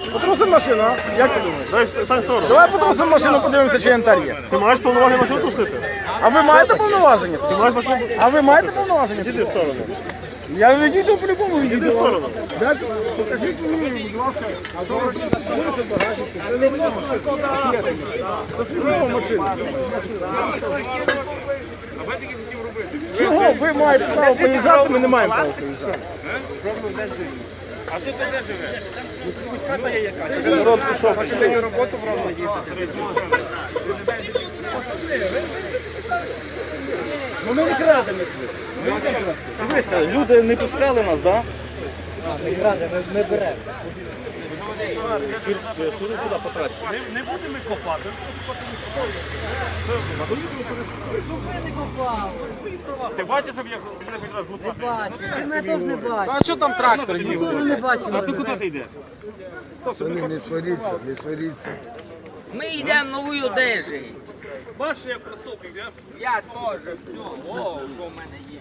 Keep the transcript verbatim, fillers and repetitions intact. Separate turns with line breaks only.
Потрусимо машину, а? Як ти думаєш?
Дай стань в сторону.
Давай потрусимо машину, подивимося, чи янтар є.
Ти маєш повноваження машину трусити?
А ви маєте повноваження?
Ти маєш машину?
А ви маєте повноваження?
Іди в сторону.
Я відійду по-любому
Іди в
відійду.
сторону.
Дайте, покажіть мені, будь ласка. А то це не моя машина. Це службова машина. Чого ви маєте право поїжджати, ми не маємо права поїжджати?
А тут де живе? Хата є якась.
Народ пішов.
Хочете роботу в Ровно їздити?
Ну ми не крадемо.
Дивися, люди не пускали нас, так?
Не крадемо, ми беремо.
Шури туди по трасі.
Не будемо копати. Ти бачиш, щоб я хоч раз лупати?
Бачу, ти мене теж не бачиш.
А що там трактор їздить?
Теж не бачиш.
А ти куди ти йдеш?
Пацани, не сваріться, не сваріться.
Ми йдемо новою одежею.
Бачиш, як кросовки, я
Я теж. Все, о, що в мене є.